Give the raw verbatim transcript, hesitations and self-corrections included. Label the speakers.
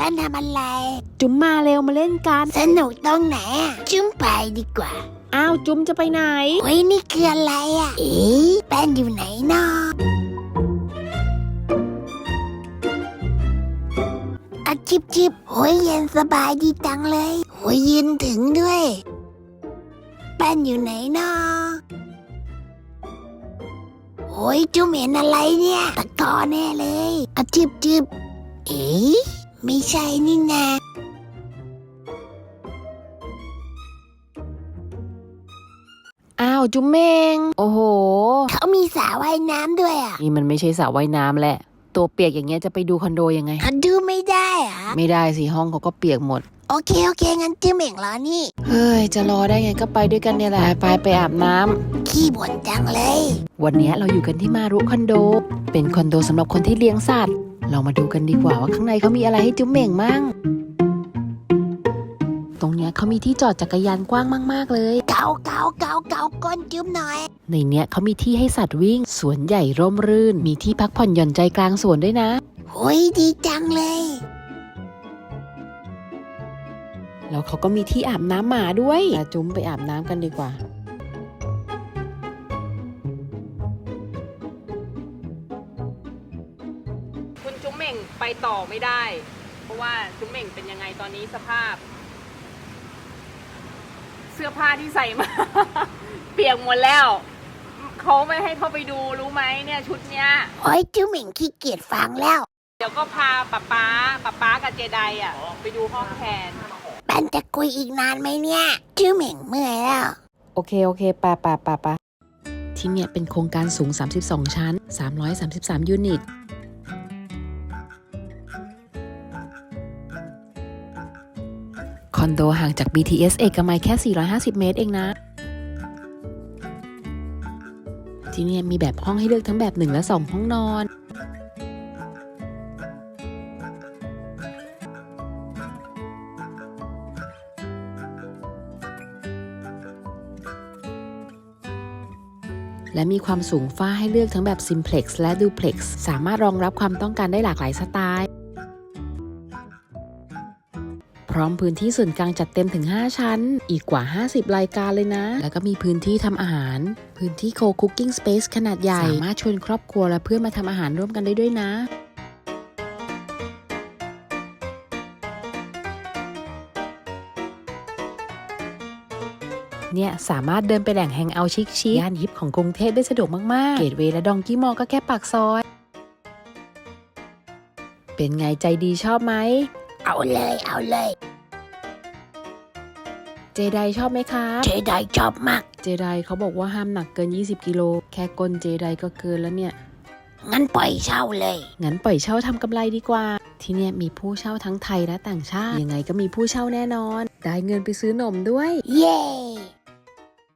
Speaker 1: นทำอะไร
Speaker 2: จุ๋มมาเร็วมาเล่นกัน
Speaker 1: สนุกตรงไหนอ่ะจุ๊มไปดีกว่า
Speaker 2: อ้าวจุ๋มจะไปไหน
Speaker 1: โอ้ยนี่คืออะไรอ่ะเอ๊ะแป้นอยู่ไหนเนาะอะจิบจิบโอ้ยเย็นสบายดีจังเลยโอ้ยยืนถึงด้วยแป้นอยู่ไหนเนาะโอ้ยจุ๊มเห็นอะไรเนี่ยตะกอแน่เลยอะจิบจิบเอ๊ะไม่ใช่นี่นะ
Speaker 2: อ้าวจุ๋มเมงโอ้โห
Speaker 1: เขามีสระว่ายน้ำด้วยอ่ะ
Speaker 2: นี่มันไม่ใช่สระว่ายน้ำแหละตัวเปียกอย่างเงี้ยจะไปดูคอนโดยังไง
Speaker 1: ดูไม่ได้อะ
Speaker 2: ไม่ได้สิห้องเขาก็เปียกหมด
Speaker 1: โอเคโอเคงั้นจุ๊มเองรอนี่
Speaker 2: เฮ้ยจะรอได้ไงก็ไปด้วยกันเนี่ยแหละไปไปอาบน้
Speaker 1: ำขี้บ่นจังเลย
Speaker 2: วันนี้เราอยู่กันที่มารุคอนโดเป็นคอนโดสำหรับคนที่เลี้ยงสัตว์เรามาดูกันดีกว่าว่าข้างในเขามีอะไรให้จุ๊มเม่งมั่งตรงเนี้ยเขามีที่จอดจักรยานกว้างมากๆเลย
Speaker 1: เกาเกาเกาเกาก้นจุ๊มหน่อย
Speaker 2: ในเนี้ยเขามีที่ให้สัตว์วิ่งสวนใหญ่ร่มรื่นมีที่พักผ่อนหย่อนใจกลางสวนด้วยนะ
Speaker 1: โอ้ยดีจังเลย
Speaker 2: แล้วเขาก็มีที่อาบน้ำหมาด้วยจุ๊มไปอาบน้ำกันดีกว่าคุณจุ๊มเม่งไปต่อไม่ได้เพราะว่าจุ๊มเม่งเป็นยังไงตอนนี้สภาพเสื้อผ้าที่ใส่มา เปียกหมดแล้วเขาไม่ให้เข้าไปดูรู้ไหมเนี่ยชุดเนี้ย
Speaker 1: โอ้ยจุ๊มเม่งขี้เกียจฟังแล้ว
Speaker 2: เดี๋ยวก็พาป๊าป๊าป๊าป๊ากับเจไดอ่ะไปดูห้องแทน
Speaker 1: แป้นจะคุยอีกนานไหมเนี่ยจุ๊มเม่งเมื่อยแล้ว
Speaker 2: โอเคโอเคปะปะปะปะที่เนี่ยเป็นโครงการสูงสามสิบสองชั้นสามร้อยสามสิบสามยูนิตคอนโดห่างจาก บี ที เอส เอกมัยแค่สี่ร้อยห้าสิบเมตรเองนะที่นี่มีแบบห้องให้เลือกทั้งแบบหนึ่งและสองห้องนอนและมีความสูงฝ้าให้เลือกทั้งแบบ Simplex และ Duplex สามารถรองรับความต้องการได้หลากหลายสไตล์พร้อมพื้นที่ส่วนกลางจัดเต็มถึงห้าชั้นอีกกว่าห้าสิบรายการเลยนะแล้วก็มีพื้นที่ทำอาหารพื้นที่ Co-cooking Space ขนาดใหญ่สามารถชวนครอบครัวและเพื่อนมาทำอาหารร่วมกันได้ด้วยนะเนี่ยสามารถเดินไปแหล่งแฮงเอาท์ชิคๆย่านฮิปของกรุงเทพได้สะดวกมากๆเกตเวย์และดองกี้มอลก็แค่ปากซอยเป็นไงใจดีชอบไหม
Speaker 1: เอาเลยเอาเลย
Speaker 2: เจไดชอบไหมครับ
Speaker 1: เจไดชอบมาก
Speaker 2: เจไดเขาบอกว่าห้ามหนักเกินยี่สิบกิโลแค่ก้นเจไดก็เกินแล้วเนี่ย
Speaker 1: งั้นปล่อยเช่าเลย
Speaker 2: งั้นปล่อยเช่าทำกำไรดีกว่าที่เนี่ยมีผู้เช่าทั้งไทยและต่างชาติยังไงก็มีผู้เช่าแน่นอนได้เงินไปซื้อนมด้วย
Speaker 1: เย้